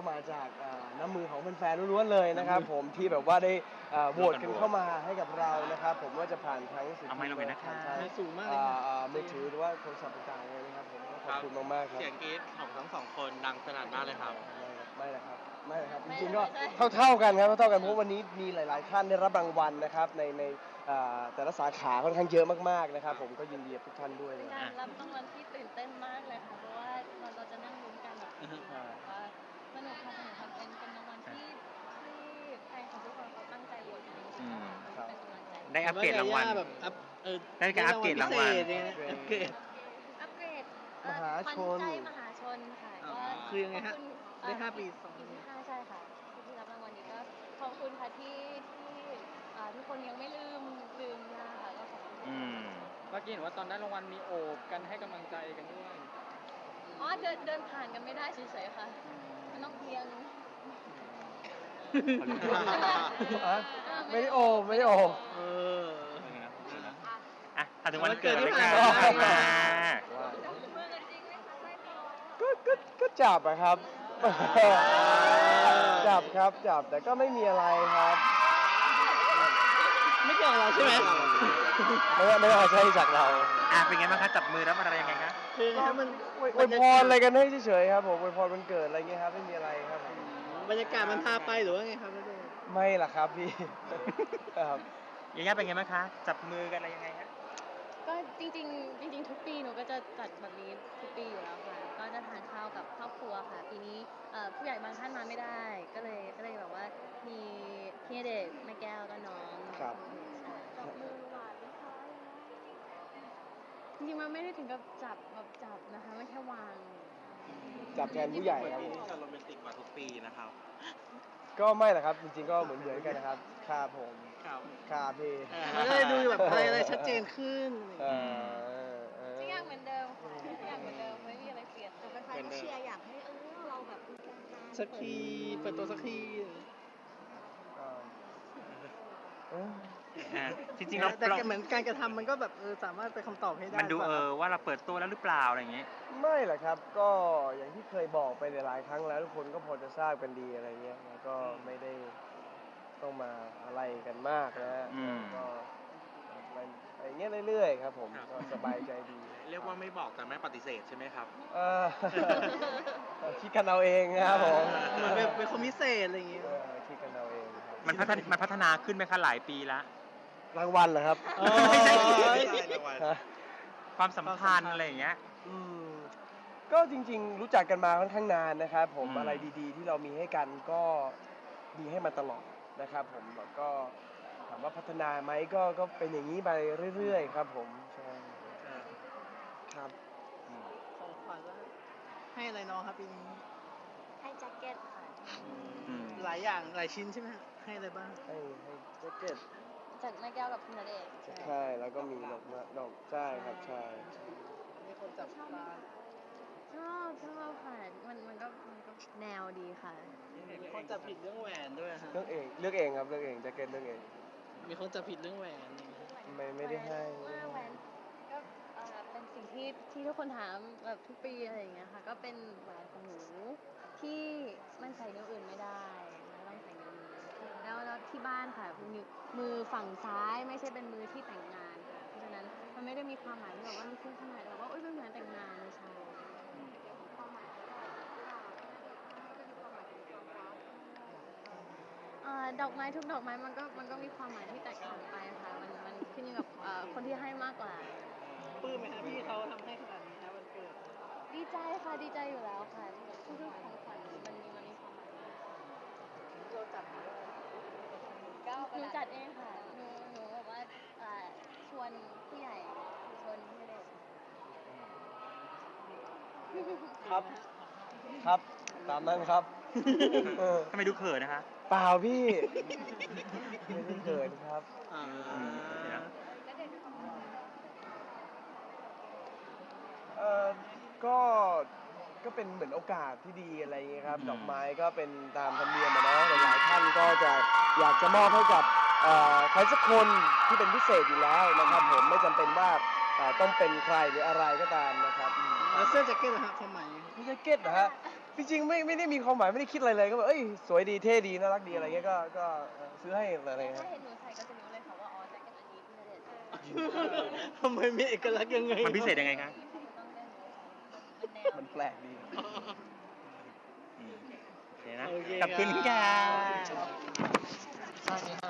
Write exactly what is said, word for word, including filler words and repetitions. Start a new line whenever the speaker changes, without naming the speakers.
มาจากน้ำมือของแฟนๆล้วนๆเลยนะครับผมที่แบบว่าได้โหวตกันเข้ามาให้กับเรานะครับผมว่าจะผ่านทั้งสื่อทีวีผ่านทางมือถือหรือว่าโทรศัพท์ต่างๆเลยนะครับผมขอบคุณมากๆครับ
เสียงกรี๊ดของทั้งสองคนดังสนั่นมากเลยครับ
ไม่เลยครับไม่เลยครับจริงๆก็เท่าๆกันครับเท่าๆกันเพราะวันนี้มีหลายๆท่านได้รับรางวัลนะครับในในแต่ละสาขาค่อนข้างเยอะมากๆนะครับผมก็ยินดีกับทุกท่านด้วย
เป็นการรับรางวัลที่ตื่นเต้นมากเลยค่ะเพราะว่าเราเราจะนั่งลุ้นกันแบบว่าสนุกค่ะสนุกค่ะเป็นเป็นรางวัลที่ที่แฟนของทุกคนเขาตั้งใจโหวตกันจริงๆค่ะเป็นกำลังใจ
ได้อัปเกรดรางวัล
แบบอัพเออ
ได้การอัปเกรดรางวัล
อัปเกรด
อัปเกรด
มหาชน
ใจมหาชนค่ะก็
คือยังไงฮะได้ห้าปีสอง
ปีที่ห้าใช่ค่ะที่รับรางวัลนี้ก็ขอบคุณค่ะที่ที่ทุกคนยังไม่ลืมลืมนะคะก็ขอบคุณ
เมื่อกี้เห็นว่าตอนได้รางวัลมีโอบกันให้กำลังใจกันด้วย
อ๋อเดินเดินผ่านกันไม่ได้เฉยๆค่ะมันต้องเพียง
ไม่ได้โอไม่ได้โอ
เอออ่ะถึงวันเกิดที่ผ่านมา
ก็ก็ก็จับอะครับจับครับจับแต่ก็ไม่มีอะไรครับ
ไม่เกี่ยวกับเราใช่ไหม
ไม่ไม่ต้องใช้จากเรา
อ่ะเป็นไงบ้างคะจับมือแล้วอะไรยังไงคะ
คือมัน
อวยพรอะไรกันให้เฉยๆครับผมอวยพรวันเกิดอะไรเงี้ยครับไม่มีอะไรครับ
บรรยากาศมันพาไปหรือว่าไงครับ
ไม่ล่ะครับพี่ครับ
ยาย่าเป็นไงบ้างคะจับมือกันอะไรยังไงฮะ
ก็จริงๆจริงๆทุกปีหนูก็จะจัดแบบนี้ทุกปีอยู่แล้วค่ะก็จะทานข้าวกับครอบครัวค่ะปีนี้ผู้ใหญ่บางท่านมาไม่ได้ก็เลยก็เลยแบบว่ามีพี่เด็กแม่แก้วก็น้อง
ครับ
จับมือหวานนะคะจริงๆมันไม่ได้ถึงกับจับแบบจับนะคะไม่แค่วาง
จับแทนผู้ใหญ่ครับ
ปีนี้จะโรแมนติกกว่าทุกปีนะครับ
ก็ไม่หรอกครับจริงๆก็เหมือนเหมือนกันนะครับคาผมคาเพ
มันก็เลยดูแบบอะไรอะไรชัดเจนขึ้น
ทุกอย่างเหมือนเดิมค่ะทุกอย่างเหมือนเดิมไม่มีอะไรเปลี่ยน
แต่แฟนๆก็เชียร์อยากให้เออเราแบบมีการ
สักทีเปิดตัวสักที
จริงๆเรา
แต่เหมือนการกระทำมันก็แบบเออสามารถไปคำตอบให้ได้
มันดูเออว่าเราเปิดตัวแล้วหรือเปล่าอะไรอย่างเงี้ย
ไม่หรอกครับก็อย่างที่เคยบอกไปหลายครั้งแล้วทุกคนก็พอจะทราบกันดีอะไรเงี้ยแล้วก็ไม่ได้ต้องมาอะไรกันมากนะก็ไปอย่างเงี้ยเรื่อยๆครับผมก็สบายใจดี
เรียกว่าไม่บอกแต่ไม่ปฏิเสธใช่ไหมครับ
เออคิดกันเอาเองนะครับผม
เป็นคนพิเศษอะไรอย่างเงี้ย
คิดกันเอาเอง
มันพัฒนามันพัฒนาขึ้นไหมคะหลายปีละ
รางวัลเหรอครับ
ไม่ใช่ความสัมพันธ์อะไรอย่างเงี้ย
ก็จริงๆรู้จักกันมาค่อนข้างนานนะครับผมอะไรดีๆที่เรามีให้กันก็มีให้มาตลอดนะครับผมแล้วก็ถามว่าพัฒนาไหมก็ก็เป็นอย่างนี้ไปเรื่อยๆครับผมใช่ครับ
ของขวัญแล้วให้อะไรน้องครับปีนี้
ให้แจ็คเก็ตค่ะ
หลายอย่างหลายชิ้นใช่ไหมให้อะไรบ้าง
ให้ให้แจ็คเก็ต
จากแม่แก้วกับพี่ณเดชน์
ใช่แล้วก็มีดอกดอกใช่ครับใช่
มีคนจับตา
ชอบชอบค่ะมันมันก็มันก็แนวดีค่ะ
มีคนจับผิดเรื่องแหวนด้วยฮะ
เลือกเองเลือกเองครับเลือกเองแจ็คเก็ตเลือกเอง
มีคนจับผิดเรื่องแหวน
ไม่ไม่ได้ให้
แหวนก็เป็นสิ่งที่ที่ทุกคนถามแบบทุกปีอะไรอย่างเงี้ยค่ะก็เป็นแหวนของหนูที่มันใส่นิ้วอื่นไม่ได้ต้องใส่นิ้วนี้แล้วแล้วที่บ้านค่ะมือมือฝั่งซ้ายไม่ใช่เป็นมือที่แต่งงานค่ะเพราะฉะนั้นมันไม่ได้มีความหมายที่แบบว่ามีคุณขนาดแบบว่าโอ๊ยเป็นเหมือนแต่งงานไม่ใช่ดอกไม้ทุกดอกไม้มันก็มันก็มีความหมายที่แตกต่างไปค่ะมันมันขึ้นอยู่กับคนที่ให้มากกว่า
ปลื้มไหมคะพี่เขาทำให้ขนาดนี้นะวันเกิด
ดีใจค่ะดีใจอยู่แล้วค่ะทุกๆของขวัญมันมีมันมีความหมาย
เราจัด
หนูจัดเองค่ะหนูหนูแบบว่าชวนผู้ใหญ่ชวนพี่เด็ก
ครับครับตามนั้นครับ
ทำไมดูเขินนะคะ
เปล่าพี่ไม่ได้เขินครับเออก็ก็เป็นเหมือนโอกาสที่ดีอะไรอย่างเงี้ยครับดอกไม้ก็เป็นตามธรรมเนียมนะเนาะหลายท่านก็จะอยากจะมอบให้กับใครสักคนที่เป็นพิเศษอยู่แล้วนะครับผมไม่จำเป็นว่าต้องเป็นใครหรืออะไรก็ตามนะครับ
แล้วเสื้อแจ็คเก็ตนะฮะความหมาย
แจ็คเก็ตนะฮะจริงๆไม่ไม่ได้มีความหมายไม่ได้คิดอะไรเลยก็แบบเอ้ยสวยดีเท่ดีน่ารักดีอะไรเงี้ยก็ก็เออซื้อให้อะไร
ถ้า
เงี้ย
เห็นหนูใส่ก็จะรู้เลยค่ะว่าอ๋อแจ็คเก็ตอันนี้ที่ณเดชน์ใส่
ทำไมมีเอกลักษณ์ยังไง
มันพิเศษยังไงคะ
ต้องได้รู้มันแนว
มันแปลกดี
อืมโอเคนะ
โอเค
ขอบคุณค่ะ
ครับ